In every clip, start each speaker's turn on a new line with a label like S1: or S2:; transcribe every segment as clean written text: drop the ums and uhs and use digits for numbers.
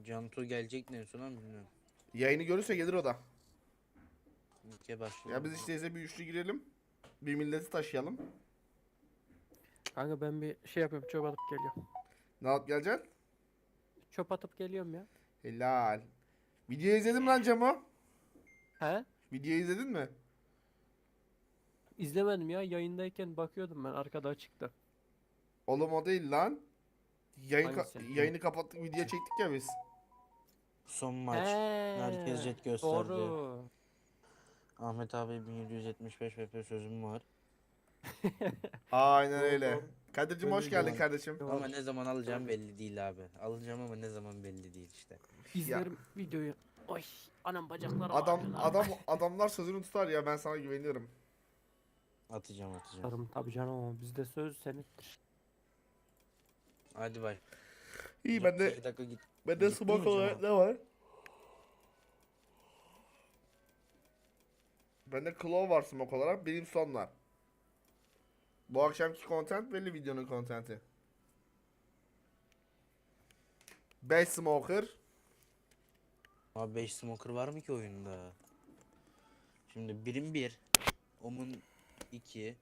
S1: Cantu gelecek ne son an bilmiyorum.
S2: Yayını görürse gelir o da.
S1: İlke başlayalım.
S2: Ya biz işte bir üçlü girelim. Bir milleti taşıyalım.
S3: Kanka ben bir şey yapıyorum, çöp atıp geliyorum.
S2: Ne alıp geleceksin?
S3: Çöp atıp geliyorum ya.
S2: Helal. Videoyu izledin mi lan Cemo?
S3: He?
S2: Videoyu izledin mi?
S3: İzlemedim ya, yayındayken bakıyordum ben, arkada açıktı.
S2: Oğlum o değil lan.
S3: Hangisi?
S2: Yayını kapattık, video çektik ya biz.
S1: Son maç.
S3: He,
S1: Herkes jet gösterdi.
S3: doğru.
S1: Ahmet abi 1775 VP sözüm var.
S2: Aynen
S3: Doğru,
S2: öyle.
S3: doğru.
S2: Kadir'cim
S3: Ben
S2: hoş
S3: de
S2: geldin
S3: gördüm.
S2: kardeşim.
S1: Ama ne zaman alacağım belli değil abi. Alacağım ama ne zaman belli değil işte.
S3: İzlerim videoyu. Oy, anam bacakları
S2: Adam
S3: ağrıyor lan.
S2: adamlar sözünü tutar ya, ben sana güveniyorum.
S1: Atacağım.
S3: Tutarım tabii canım, ama bizde söz senettir.
S1: Hadi bay.
S2: İyi, ben de
S1: 2 dakika git.
S2: bende
S1: Gittin
S2: smoke
S1: mi
S2: olarak
S1: Cemo?
S2: ne var? Bende claw var smoke olarak, benim sonlar. Bu akşamki content belli, videonun contenti. 5 smoker.
S1: Abi 5 smoker var mı ki oyunda? Şimdi birim 1. Omun 2.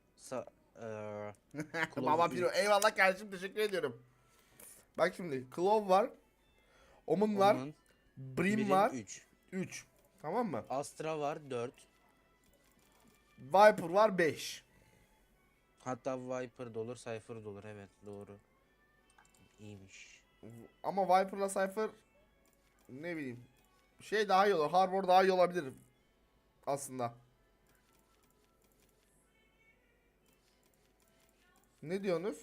S2: Baba Piro, eyvallah kardeşim, teşekkür ediyorum. Bak şimdi claw var. Omun var.
S1: Omun
S2: Brim
S1: birim
S2: var.
S1: 3.
S2: 3. Tamam mı?
S1: Astra var 4.
S2: Viper var 5.
S1: Hatta Viper da olur, Cypher da olur. Evet doğru. İyiymiş.
S2: Ama Viper'la Cypher ne bileyim, şey daha iyi olur. Harbor daha iyi olabilir aslında. Ne diyorsunuz?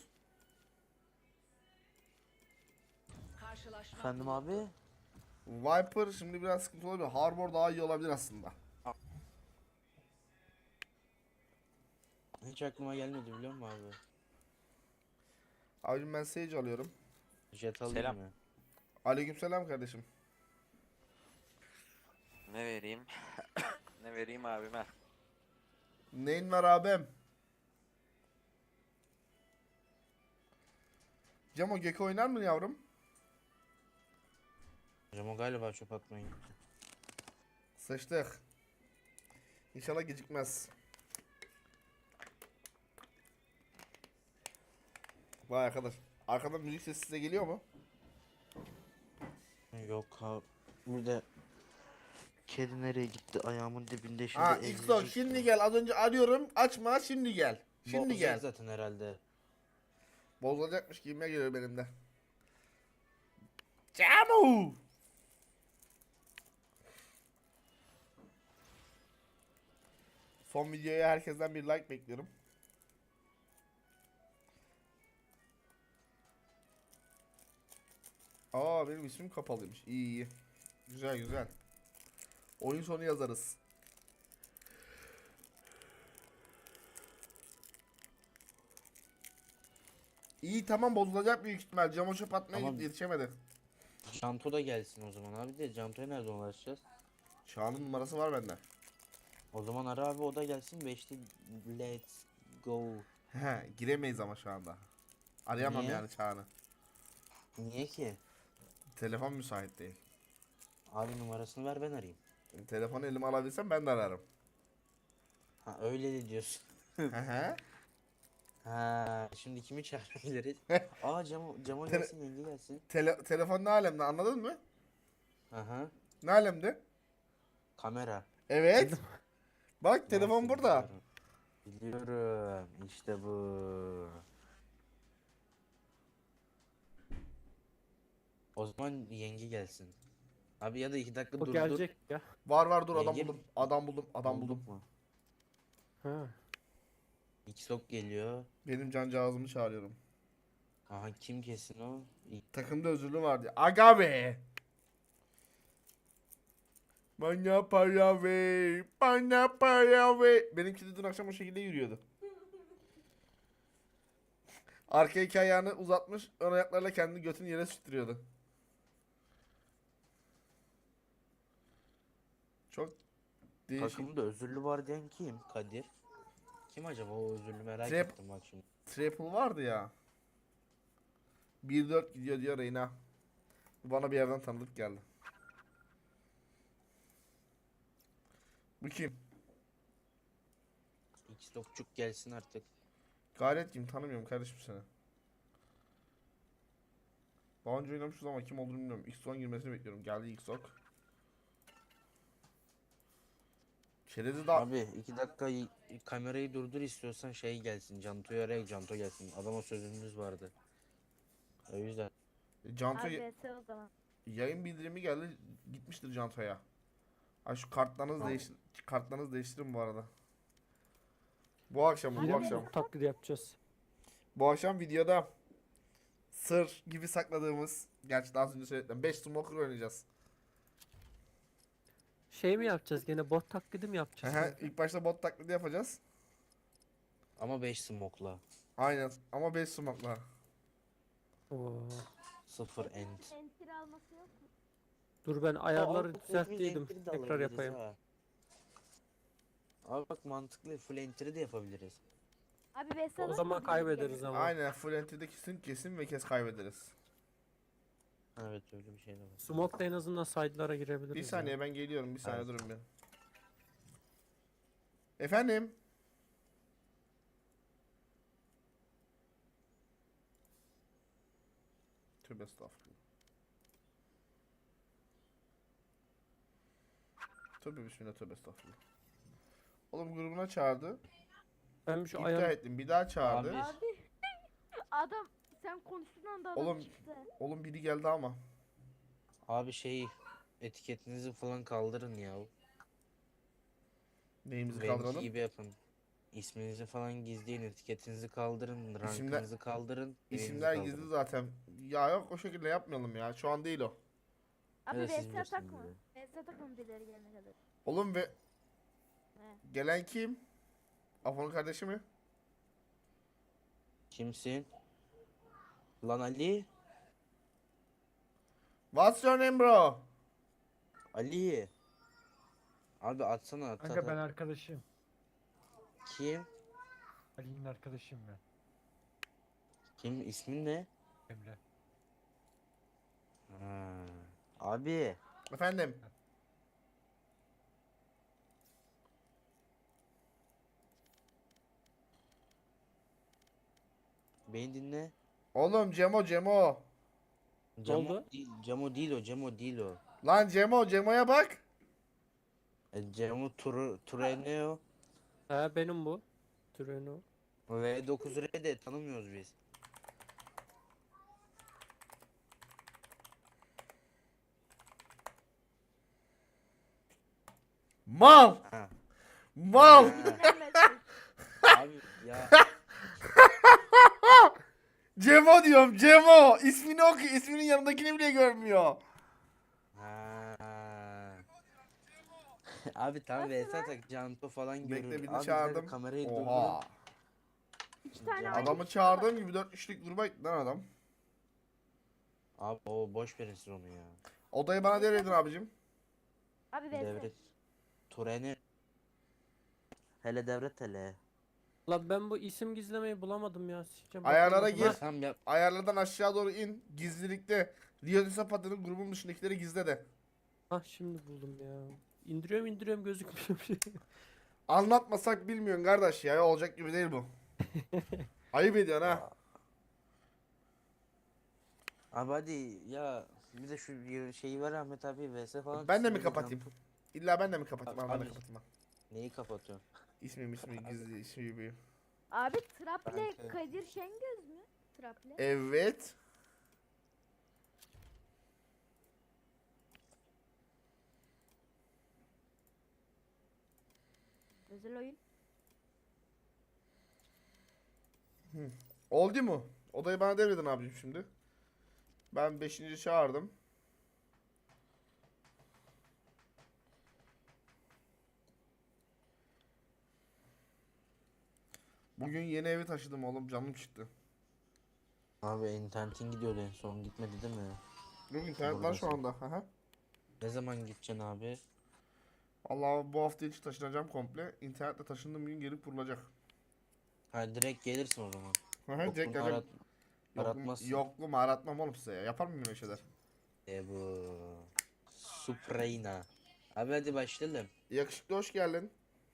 S1: Efendim abi?
S2: Viper şimdi biraz sıkıntı olabilir. Harbor daha iyi olabilir aslında.
S1: Hiç aklıma gelmedi biliyor musun abi?
S2: Abicim ben Sage alıyorum.
S1: Jet alayım
S4: Selam.
S1: mı?
S2: Aleykümselam kardeşim.
S4: Ne vereyim? Ne vereyim abime?
S2: Neyin var abim? Cemo Gecko oynar mı yavrum?
S1: Hocam o galiba çöp atmaya gitti.
S2: Sıçtık. İnşallah gecikmez. Vay arkadaş. Arkadan müzik sesi size geliyor mu?
S1: Yok abi. Burada kedi nereye gitti? Ayağımın dibinde şimdi
S2: Ha Xbox şimdi gel. Az önce arıyorum. Açma, şimdi gel. Şimdi
S1: Bozacak
S2: gel.
S1: zaten herhalde.
S2: Bozulacakmış gibime geliyor benim de. Cemo! Son videoya herkesten bir like bekliyorum. Aa, benim ismim kapalıymış. İyi iyi. Güzel güzel. Oyun sonu yazarız. İyi tamam, bozulacak büyük ihtimal. Camo çöp atmaya
S1: Tamam.
S2: gitti, yetişemedi.
S1: Canto da gelsin o zaman abi de Canto'ya nereden ulaşacağız?
S2: Çağan'ın numarası var bende.
S1: O zaman ara abi o da gelsin 5'te let's go.
S2: He, giremeyiz ama şu anda. Arayamam
S1: Niye?
S2: yani Çağan'ı.
S1: Niye ki?
S2: Telefon müsait değil.
S1: Abi numarasını ver ben arayayım.
S2: Telefonu elime alabilsem ben de ararım.
S1: Ha öyle de diyorsun.
S2: Hı hı.
S1: Ha şimdi kimi çağırabiliriz? Aa Cemo
S2: Tele-
S1: gelsin yenge gelsin.
S2: Telefon ne alemde, anladın mı?
S1: Aha
S2: Ne alemde?
S1: kamera.
S2: Evet. Bak telefon
S1: Nasıl
S2: burada.
S1: biliyorum. İşte bu. O zaman yenge gelsin. Abi ya da 2 dakika
S3: O
S1: dur
S3: gelecek ya.
S2: Var dur, adam
S1: Yenge
S2: buldum.
S1: mi?
S2: Adam buldum. Adam
S1: Bulduk
S2: buldum.
S1: mu?
S3: Ha.
S1: Xbox geliyor.
S2: Benim cancağızımı çağırıyorum.
S1: Aha kim kesin o?
S2: Takımda özürlü vardı. Aga be. Bana para ver. Bana para ver. Benimki de dün akşam o şekilde yürüyordu. Arka iki ayağını uzatmış, ön ayaklarla kendini götünü yere sürttürüyordu. Çok değişik.
S1: Takımda özürlü var diyen kim? Kadir. Kim acaba o özürlü merak
S2: Trap.
S1: ettim bak şimdi.
S2: Triple vardı ya. 1-4 gidiyor diyor Reyna. Bana bir yerden tanıdık geldi. Bu kim?
S1: X dokçuk gelsin artık.
S2: Gayret kim? Tanımıyorum kardeşim seni. Daha önce oynamışız ama kim olduğunu bilmiyorum. X10 girmesini bekliyorum. Geldi X10. Çerezi daha...
S1: Abi 2 dakika kamerayı durdur istiyorsan şey gelsin. Canto'yu araya Canto gelsin. Adama sözümüz vardı. O yüzden.
S2: Canto
S5: Abi VS o zaman.
S2: yayın bildirimi geldi. Gitmiştir Canto'ya. Ha şu kartlarınızı kartlarınızı değiştirin bu arada. Bu akşam bu
S3: Yine
S2: akşam.
S3: bot taklidi yapacağız.
S2: Bu akşam videoda sır gibi sakladığımız, gerçi daha önce söyledim, 5 smoker oynayacağız.
S3: Şey mi yapacağız gene bot taklidi mi yapacağız?
S2: Aha, ilk başta bot taklidi yapacağız.
S1: Ama 5 smoke'la.
S2: Aynen ama 5 smoke'la.
S3: Oo.
S1: 0 end.
S5: Enter alması yok mu?
S3: Dur ben ayarları
S1: Aa,
S3: düzelttiydim.
S1: full entry de
S3: Tekrar
S1: alabiliriz
S3: yapayım.
S1: ha. Abi bak mantıklı full entry de yapabiliriz.
S5: Abi VS
S3: O
S5: alır
S3: zaman
S5: mı?
S3: kaybederiz ama.
S2: Aynen full entry'de kesin ve kes kaybederiz.
S1: Evet öyle bir şey de var.
S3: Smoke'da en azından side'lara girebiliriz.
S2: Bir
S3: ya.
S2: saniye ben geliyorum, bir saniye
S1: Evet.
S2: durun bir. Efendim? Tövbe estağfurullah. Tövbe bismillah, tövbe estağfurullah. Oğlum grubuna çağırdı.
S3: Ben bir şu
S2: İptal
S3: ayar
S2: ettim. Bir daha çağırdı.
S1: Abi.
S5: Abi. Adam sen konuştuğun anda adam
S2: Oğlum,
S5: çıktı.
S2: Oğlum biri geldi ama.
S1: Abi şey etiketinizi falan kaldırın ya.
S2: Neyimizi
S1: Benimki
S2: kaldıralım?
S1: gibi yapın. İsminizi falan gizleyin, etiketinizi kaldırın,
S2: İsimler-
S1: rankınızı kaldırın. evinizi
S2: İsimler
S1: kaldırın.
S2: gizli zaten. Ya yok, o şekilde yapmayalım ya. Şu an değil o.
S5: Abi
S1: Evet, siz
S5: VS
S1: bilirsiniz
S5: atak mı?
S1: bunu.
S5: VS atak mı birileri gelene kadar?
S2: Oğlum ve
S5: He.
S2: gelen kim? Afon'un kardeşi mi?
S1: Kimsin? Lan Ali?
S2: What's your name bro?
S1: Ali. Abi atsana at,
S6: Kanka
S1: at,
S6: ben
S1: at.
S6: arkadaşım.
S1: Kim?
S6: Ali'nin arkadaşıyım ben.
S1: Kim? İsmin ne?
S6: Emre.
S1: Ha. Abi.
S2: Efendim?
S1: Beni dinle.
S2: Oğlum Cemo.
S1: Cemo
S3: oldu?
S1: değil, Cemo değil o, Cemo değil o.
S2: Lan Cemo'ya bak.
S1: Cemo Tureneo
S3: He benim bu. Treno.
S1: V9R de tanımıyoruz biz.
S2: Mal.
S1: Ha.
S2: Mal.
S1: Ha.
S5: Dinlenmesin.
S1: Abi ya
S2: Cemo diyorum, Cemo. İsmini oku. İsminin yanındakini bile görmüyor.
S1: ha. Abi tam
S5: Nasıl
S1: VS atak Canto falan
S2: Bekle,
S1: görür.
S2: birini
S1: Abi
S2: çağırdım.
S1: bir de kamerayı
S2: Oha.
S1: durdurun.
S5: 2 tane
S1: Adamı
S5: aynı
S2: Adamı
S5: kişi
S2: çağırdığım
S5: var.
S2: gibi 4 kişilik gruba gitti lan adam.
S1: Abi o boş verin siz onu ya.
S2: Odayı bana devredin abicim.
S5: Abi VS.
S1: Devret. Tureni. Hele devret hele.
S3: La ben bu isim gizlemeyi bulamadım ya. Sikeceğim,
S2: Ayarlara
S3: bakamadım.
S2: gir.
S3: Ha,
S1: Tamam yap.
S2: Ayarlardan aşağı doğru in. Gizlilikte. Rio de Zapata'nın grubun dışındakileri gizle de.
S3: Ha şimdi buldum ya. İndiriyorum gözükmüyor bir şey.
S2: Anlatmasak bilmiyorsun kardeş ya. Olacak gibi değil bu. Ayıp ediyorsun ha.
S1: Abi hadi ya bir de şu şeyi var Ahmet abi VS falan.
S2: Ben de mi
S1: çıksın,
S2: kapatayım?
S1: Canto-
S2: İlla ben de mi kapatayım? Al ben de
S1: Abi-
S2: kapatayım. Al.
S1: Neyi kapatıyorsun?
S2: İsmim gizli ismi büyüğüm.
S5: Abi Trap'le
S1: Kanka.
S5: Kadir Şengöz mü? Trap'le.
S2: Evet.
S5: Özel oyun.
S2: Oldu mu? Odayı bana devredin abicim şimdi. Ben 5. çağırdım. Bugün yeni evi taşıdım oğlum, canım çıktı.
S1: Abi internetin gidiyordu en son gitmedi değil mi?
S2: Yok, internet var şu anda. Aha.
S1: Ne zaman gideceksin abi?
S2: Allah, bu hafta içi taşınacağım komple. İnternetle taşındığım gün geri kurulacak.
S1: Ha direkt gelirsin o zaman.
S2: Aha, direkt
S1: Yokluğunu
S2: geleceğim.
S1: aratmazsın.
S2: Yokluğumu aratmam oğlum size ya. Yapar mıyım öyle şeyler?
S1: Bu Supreyna. Abi hadi başlayalım.
S2: Yakışıklı hoş geldin.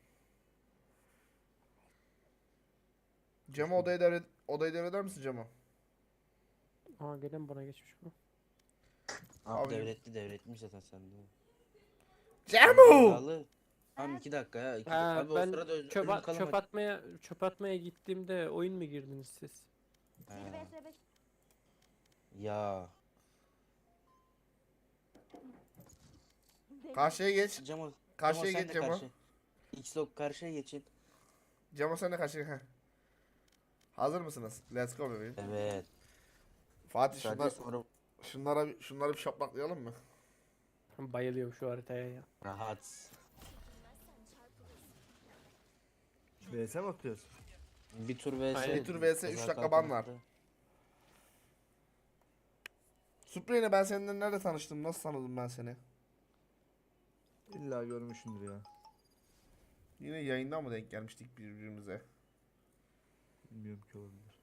S2: Cemo odayı devreder misin Cemo?
S3: Aa gelen bana geçmiş bu.
S1: Abi
S2: Abi-
S1: devretmiş zaten sende.
S2: Cemo!
S1: Sağlı. Tamam 2 dakika ya.
S3: Ha,
S1: Abi o
S3: ben
S1: sırada
S3: çöp,
S1: ölüm kalamadı.
S3: çöp atmaya gittiğimde oyun mu girdiniz siz?
S5: 1
S1: Ha,
S5: vs 5.
S1: ya.
S2: Karşıya geç.
S1: Cemo.
S2: Karşıya
S1: sen
S2: geç
S1: de
S2: Cemo.
S1: karşı. X-Log karşıya geçin.
S2: Cemo sen de karşıya. Heh. Hazır mısınız? Let's go bebeğim.
S1: Evet.
S2: Fatih
S1: Sadece sonra
S2: şunları bir şaplaklayalım mı?
S3: Bayılıyorum şu haritaya ya.
S1: rahat.
S7: VS mi atıyorsun?
S1: Bir tur vs.
S3: Aynen.
S2: Bir tur vs, üç
S1: Ceza
S2: dakika ban var.
S1: kalkmadı.
S2: Supre'yle ben seninle nerede tanıştım? Nasıl tanıdım ben seni?
S7: İlla görmüşsündür ya.
S2: Yine yayından mı denk gelmiştik birbirimize?
S7: Bilmiyorum ki olabilir.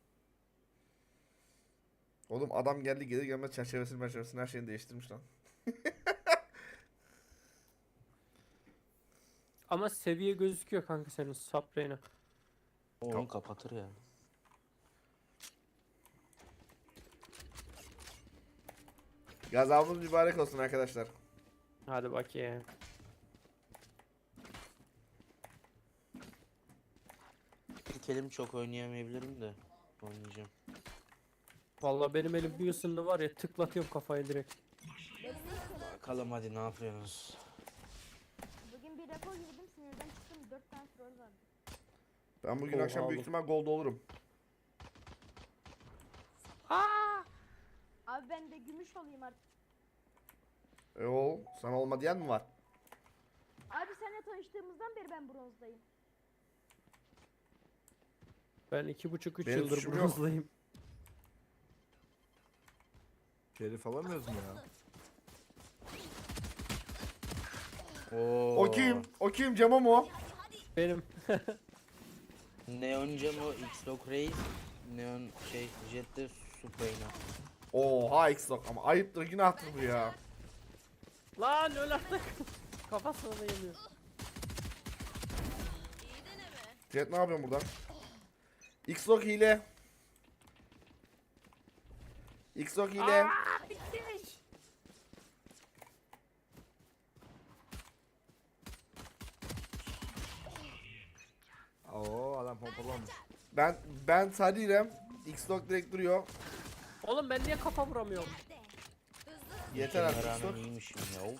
S2: Oğlum adam geldi gelir gelmez çerçevesini her şeyini değiştirmiş lan.
S3: Ama seviye gözüküyor kanka senin Sabrina.
S1: O onu kapatır ya.
S2: Gazabınız mübarek olsun arkadaşlar.
S3: Hadi bakayım.
S1: İlk elim çok oynayamayabilirim de. Oynayacağım.
S3: Vallahi benim elim bir ısındı var ya tıklatıyorum kafayı direkt.
S1: Bakalım hadi ne yapıyorsunuz?
S5: Bugün bir rekor girdim sinirden çıktım 4 tane troll vardı.
S2: Ben bugün
S3: Oha
S2: akşam büyük
S3: oğlum.
S2: ihtimal gold olurum.
S5: Abi ben de gümüş olayım artık.
S2: Oğlum sana olma diyen mi var?
S5: Abi seninle tanıştığımızdan beri ben bronzdayım.
S3: Ben 2,5-3
S2: Benim
S3: yıldır
S2: suçum yok.
S3: bronzdayım.
S7: Şerif alamıyoruz mu ya?
S1: Oo.
S2: O kim? O kim? Cemo mu?
S3: Benim.
S1: Neon Cemo, X-Log Reis, Neon Jet'te Supreyna.
S2: Oha X-Lock ama ayıptır günahtır bu ya.
S3: Lan öl artık. Kafasına da yemiyor.
S2: Jet ne yapıyorsun burada? X-Lock hile. X-Lock hile.
S7: Oo adam pompalamış.
S2: Ben Sadirem. X-Lock direkt duruyor.
S3: Oğlum ben niye kafa vuramıyorum?
S2: Yeter artık
S1: Rağmen
S2: X-Lock.
S1: iyiymişim ya.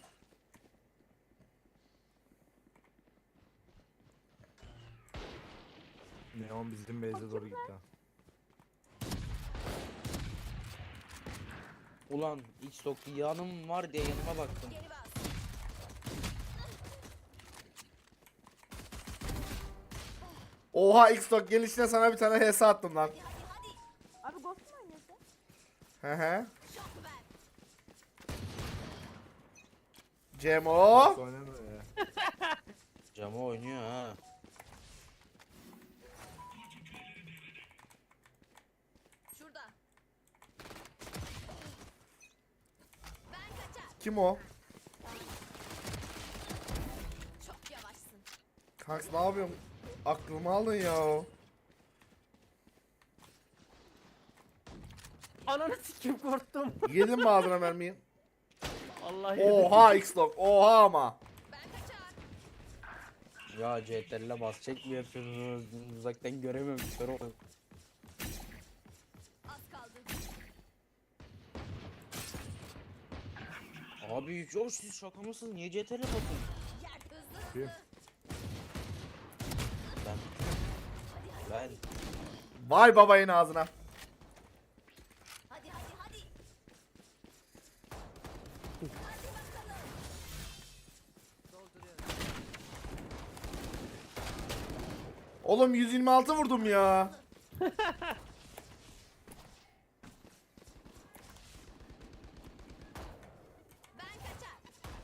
S7: Neon bizim base'e doğru gitti ha.
S1: Ulan X-Log yanım var diye yanıma baktım.
S2: Oha X-Lock gelişine sana bir tane HS attım lan.
S5: Abi Ghost mu oynuyorsun?
S2: He he. Cemo.
S7: Oynanıyor ya.
S1: Cemo oynuyor ha.
S8: Şurada.
S2: Kim o?
S8: Çok yavaşsın.
S2: Kanks ne yapıyorsun? Aklımı aldın ya.
S3: Ananı sikim korktum.
S2: Yedin mi ağzına mermiyi?
S3: Allah yedim.
S2: Oha X-Lock. Oha ama.
S8: Ben kaçar.
S1: Ya CTRL'e basacak mı yapıyorsunuz? Uzaktan göremiyorum. Kör ol-
S8: Az kaldı.
S1: Abi yok siz şaka mısınız? Niye CTRL'e basın?
S8: Yer hızlı.
S1: Ben
S2: Vay babayın ağzına.
S8: Hadi hadi hadi.
S2: Oğlum 126 vurdum ya.
S8: Ben kaçar.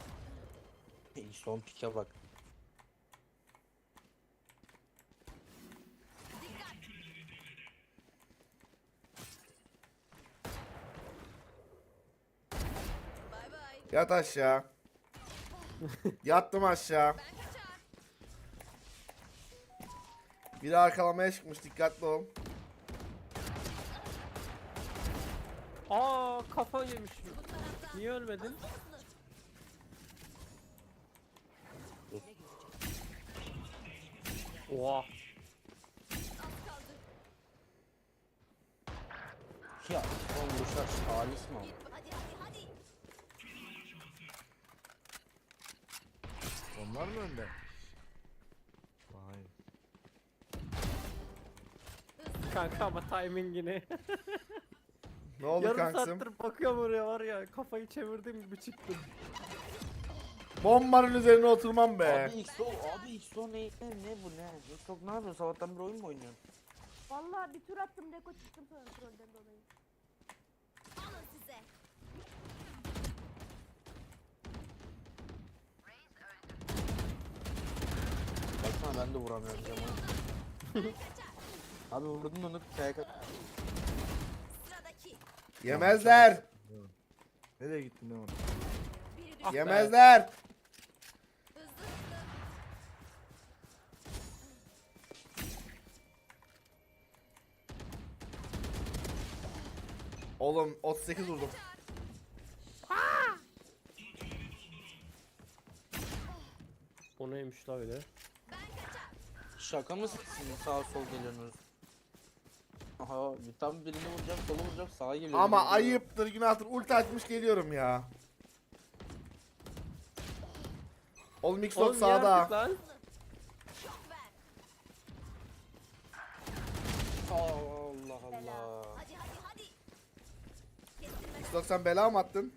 S1: son pike bak.
S8: Dikkat. Bay
S2: Yat aşağı. Yattım aşağı.
S8: Ben kaçar.
S2: Biri arkalamaya çıkmış, dikkatli ol.
S3: Aa kafa yemiş.
S8: Bu taraftan.
S3: Niye ölmedin? Oha.
S8: Az kaldı.
S1: Ya oğlum bu şarj halis mi?
S8: Git. Hadi hadi hadi.
S7: Onlar mı önde? Vay.
S3: Kanka ama timingini.
S2: Ne oldu
S3: Yarım
S2: kanksım?
S3: saattir bakıyorum oraya var ya kafayı çevirdiğim gibi çıktım.
S2: Bombanın üzerine oturmam be.
S1: Abi XO ne bu ne? XO ne yapıyorsun? Sabahtan bir oyun mu oynuyorsun?
S5: Vallahi bir tur attım Deko çıktım sonra trollden dolayı.
S8: Alın size.
S1: Baksana ben de vuramıyorum camı.
S8: Ben kaçar.
S1: Abi vurdun onu kayak
S8: Sıradaki.
S2: Yemezler.
S7: Nereye gittin ne var?
S8: Biri düştü.
S3: Ah be.
S2: Yemezler.
S8: Hızlı hızlı.
S2: Oğlum 38 vurdum.
S3: O neymiş la öyle?
S8: Ben kaçar.
S1: Şaka mısın? Sağa sol geliyorsunuz. Aha tam birini vuracağım, solu vuracağım, sağa geliyorum.
S2: Ama ayıptır, günahtır. Ulti açmış geliyorum ya. Oğlum Xbox
S3: Oğlum niye artık
S2: sağda.
S3: lan?
S8: Şok ver.
S1: Allah Allah.
S8: Hadi hadi hadi. Kestirmeden.
S2: Xbox sen bela mı attın?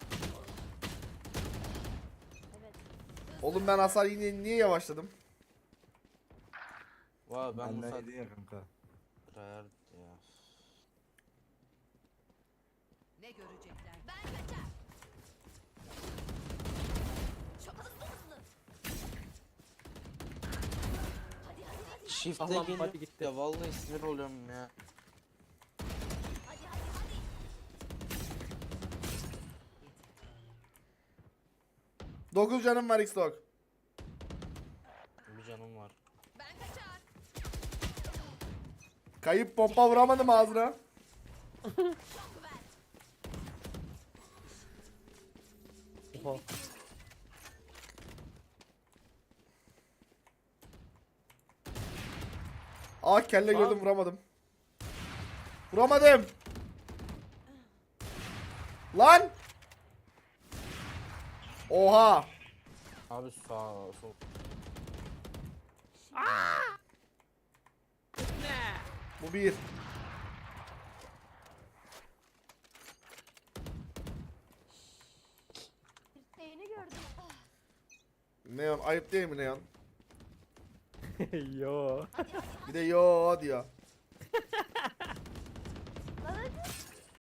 S5: Evet.
S2: Oğlum ben hasar yine niye yavaşladım?
S1: Vay ben bu
S7: Benden
S1: saat
S7: yedin ya kanka.
S1: Rayar ya.
S8: Ne görecekler? Ben kaçar. Çok hızlı hızlı. Hadi hadi hadi.
S1: Shift'e
S3: Allah'ım,
S1: gelip
S3: hadi gitti.
S1: ya vallahi sinir oluyorum ya.
S8: Hadi hadi hadi.
S2: 9 canım var Xbox.
S1: Bir canım var.
S8: Ben kaçar.
S2: Kayıp pompa vuramadım ağzına.
S8: Şok ver.
S3: Oha.
S2: Ah kelle gördüm vuramadım. Vuramadım. Lan. Oha.
S1: Abi sağ sol.
S2: Bu bir.
S5: Dirseğini gördüm. Ah,
S2: Neon ayıp değil mi Neon?
S3: Yo.
S2: Bir de yo diyor.
S5: lan hadi.